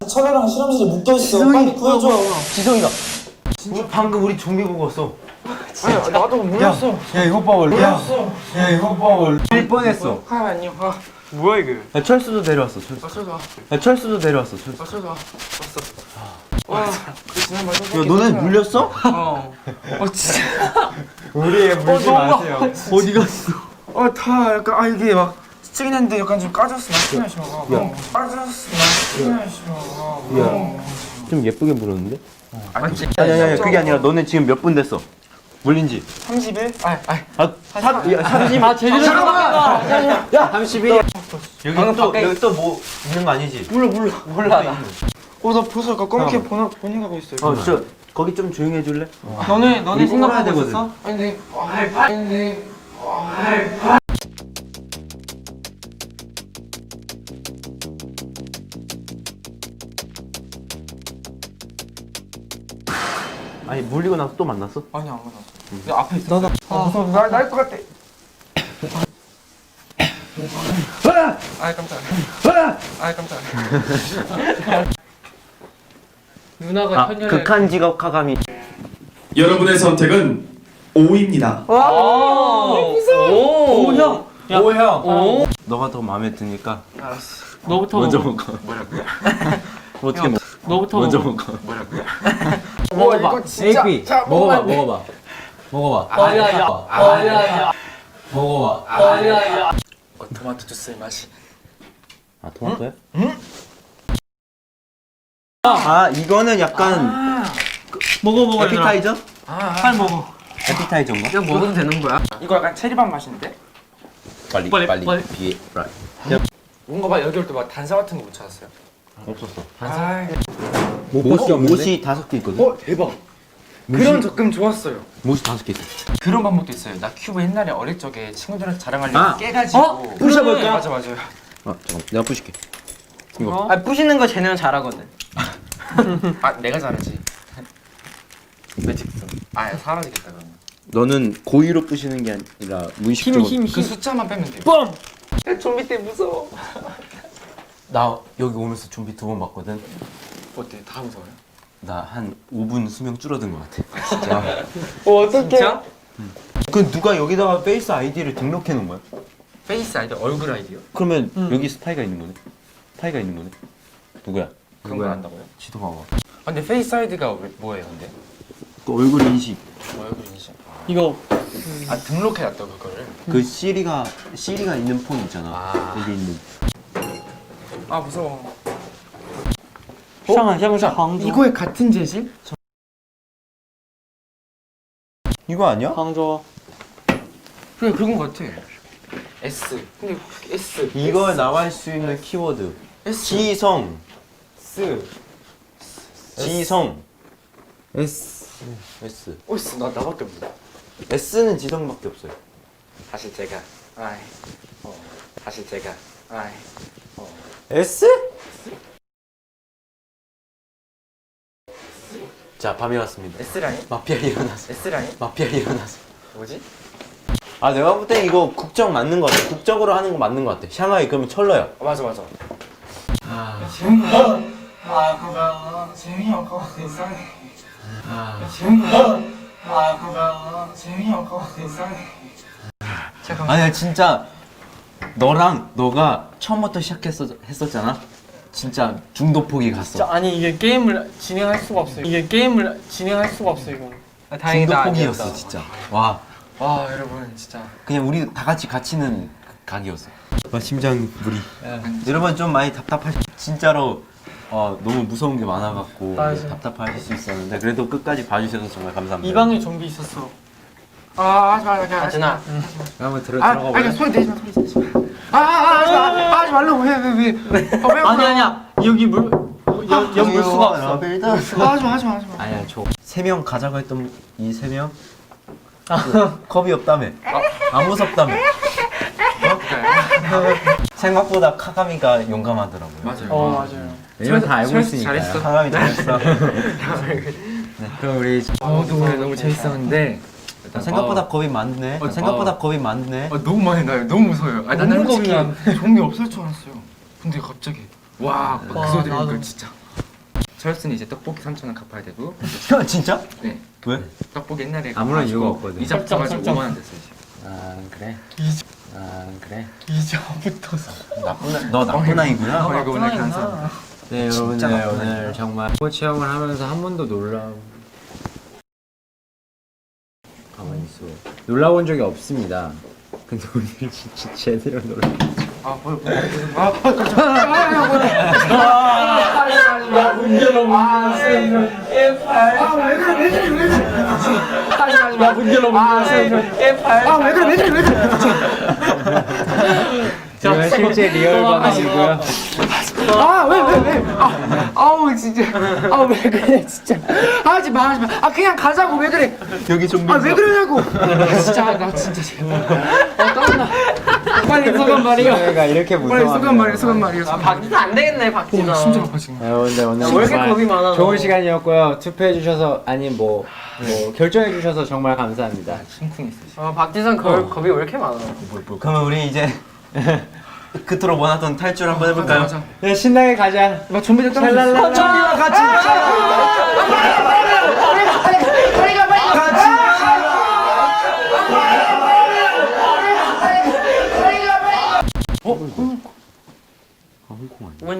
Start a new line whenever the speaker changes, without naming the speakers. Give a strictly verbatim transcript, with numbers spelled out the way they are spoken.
철이랑 실험실에 묶여있어. 빨리 구해줘.
지성이다. 진짜 방금 우리 좀비 보고 왔어.
아니 나도 몰랐어.
야 이거 봐 원래. 야, 야 이거 봐 원래. 일 뻔했어.
아 아니요. 아 뭐야 이게?
야 철수도 내려왔어. 철수.
아 철수.
야 철수도 내려왔어. 철수.
아 철수. 왔어. 와. 그 지난번
야 너네 물렸어?
어. 어 진짜.
우리에 물지 마세요. 어디 갔어?
어다 약간 아 이게 막 스치긴 했는데 약간 좀 까졌어. 나 스치긴 하시마. 야. 까졌어. 나 스치긴 하시마.
야. 좀 예쁘게 물었는데?
아니
아니 아니 아니 그게 아니라 너네 지금 몇 분 됐어? 물린지?
삼십 일? 아, 아.
아, 사, 야, 삼십.
아 제대로 들어가.
야, 삼십 일. 여기 또 여기 또 뭐 있는 거 아니지?
몰라 몰라. 몰라 나. 어, 나 벌써 아까 검게 보나 보닝 하고 있어요.
어, 저 거기 좀 조용히 해 줄래?
너네 너네
우리 뽑아야
생각하고
되거든.
있었어?
아니 근데 아니 근데
아니 물리고 나서 또 만났어?
아니 안 만났어. 내 앞에 있어. 나나 아, 무서워. 날것 같아. 아 깜짝이야. 아 깜짝이야.
누나가
아,
천년을
극한 직업 카가미.
여러분의 선택은 O입니다.
오 형.
오 형. 오. 너가 더 마음에 드니까
알았어.
너부터
먼저
먹어.
먹어.
뭐라고요?
어떻게 먹어?
너부터
먼저
먹어.
먹어.
뭐라고요?
먹어봐.
에이피 먹어봐 먹어봐 먹어봐.
아야야. 아야야.
먹어봐.
아야야.
어, 토마토 주스의 맛이.
아 토마토야? 응? 아 이거는 약간
먹어 먹어.
에피타이저?
아,
빨리 먹어.
에피타이저인가?
이거 먹어도 되는 거야? 이거 약간 체리밥 맛인데?
빨리
빨리,
빨리
빨리.
비에 빨리.
뭔가 막 여기 올 때 막 단사 같은 거 못 찾았어요?
없었어.
아,
옷이 옷이 다섯 개 있거든.
어 대박. 그런 접근 좋았어요.
옷이 다섯 개 있어.
그런 방법도 있어요. 나 큐브 옛날에 어릴 적에 친구들한테 자랑하려고
아.
깨가지고.
어?
부셔볼까?
맞아 맞아요.
아 잠깐 내가 부실게. 이거.
아 부시는 거 쟤네는 잘하거든.
아 내가 잘하지. 매직스. 아 사라지겠다 그러면.
너는 고의로 부시는 게 아니라 무의식적으로.
힘이 힘이
그 숫자만 빼면 돼.
뻥.
좀비 때 무서워.
나 여기 오면서 좀비 두 번 봤거든.
어때? 다 무서워요?
나 한 오 분 수명 줄어든 것 같아. 진짜.
어 어떡해? 진짜?
그 누가 여기다가 페이스 아이디를 등록해 놓은 거야?
페이스 아이디, 얼굴 아이디요?
그러면 여기 스파이가 있는 거네. 스파이가 있는 거네. 누구야?
그런 걸 안다고요?
지도 봐봐.
아, 근데 페이스 아이디가 왜, 뭐예요 근데?
그 얼굴 인식.
얼굴 인식.
이거
아 등록해놨다고 그거를?
그 시리가 시리가 있는 폰 있잖아.
아.
여기 있는.
아 무서워.
샹한 샹한 광주.
이거에 같은 재질?
이거 아니야?
광주.
그래 그런 거 같아. S. 근데 S.
이거에 나갈 수 있는 키워드.
S.
지성.
S.
지성. S. S.
어 S 나 나밖에 몰라.
S는 지성밖에 없어요.
다시 제가. 아이. 어. 다시 제가. 아이. 어.
S? 자 밤이 왔습니다.
S 라인?
마피아 일어나서.
S 라인?
마피아 일어나서.
뭐지?
아 내가 볼 땐 이거 국적 맞는 거 같아. 국적으로 하는 거 맞는 거 같아. 샹하이 그러면 철러야.
어, 맞아 맞아.
아,
재민아. 아 그거 재민이 오빠가 이상해.
아.
재민아. 아 그거 재민이 오빠가 이상해. 잠깐만.
아니야 진짜 너랑 너가 처음부터 시작했었 했었잖아. 진짜 중도 포기 갔어.
진짜 아니 이게 게임을 진행할 수가 없어. 이게 게임을 진행할 수가 없어 이거.
아,
중도 포기였어 진짜. 와
와 여러분 진짜.
그냥 우리 다 같이 갇히는 각이었어. 와 심장 무리. 여러분 좀 많이 답답하시. 진짜로 어, 너무 무서운 게 많아갖고
맞아.
답답하실 수 있었는데 그래도 끝까지 봐주셔서 정말 감사합니다.
이 방에 좀비 있었어.
아 하지 마 하지 마. 하진아.
한번 들어
아
들어가 볼래?
아니 소리 내지 마 소리 내지 마. 아, 아, 하지 마. 아, 하지 말라고 왜 왜 왜? 아, 왜
아니 아니야. 여기 물 여, 여기 물 수가 없어.
아, 하지 마 하지 마 하지 마.
아니야 저 세 명 가자고 했던 이 세 명 컵이 없다며. 안 무섭다며. 어? 생각보다 카가미가 용감하더라고요.
맞아요.
어 맞아요.
왜냐면 다 알고
잘했어,
있으니까.
잘했어.
카가미 잘했어. 네, 그럼 우리
어, 노래 너무 재밌었는데
생각보다 겁이 많네.
어,
생각보다
어.
겁이 많네.
아, 너무 많이 나요. 너무 무서워요. 아, 나는
너무 겁이
솔직히 좀비 없을 줄 알았어요. 근데 갑자기 와, 그
와,
소리 들으니까
나도.
진짜. 철수는 이제 떡볶이 삼천 원 갚아야 되고.
진짜?
네.
왜?
떡볶이 옛날에
아무런
갚아가지고
이유가 없거든.
이자
설정,
붙어가지고
설정.
오만 원 됐어요 지금.
아 그래?
이자
아 그래?
이자부터서.
나쁜 아, 너 나쁜 아이구나.
어, 이거 오늘 감사.
네
진짜
여러분들
나쁜
오늘 정말 스포 체험을 하면서 한 번도 놀라 가만히 있어 놀라본 적이 없습니다. 근데 오늘 진짜 제대로 놀라.
아, 뭐, 뭐, 아,
제가 실제 리얼 방송이고요.
아, 왜, 왜, 왜? 아, 아우, 진짜. 아, 왜 그래, 진짜. 하지 마, 하지 마. 아, 그냥 가자고, 왜 그래?
여기 좀
아, 왜 그러냐고. 아, 진짜, 나 진짜 제발. 아, 땀나. 빨리 소감 말이요.
저희가 이렇게
빨리
무서워.
소감 말이요, 소감 말이요.
아 박지도 안 되겠네 박지도.
심장 아파, 지금.
여러분들 오늘
왜 이렇게
정말
겁이 많아,
좋은
너?
시간이었고요. 투표해 주셔서 아니 뭐, 뭐 결정해 주셔서 정말 감사합니다.
심쿵했어, 지금.
아 박지선 겁 겁이 왜 이렇게 많아?
그러면 우리 이제 그토록 원하던 탈출 한번 해볼까요?
맞아.
네, 신나게 가자.
막 좀비들 떨어져.
랄랄랄라.
좀비와 같이
홍콩 아니야?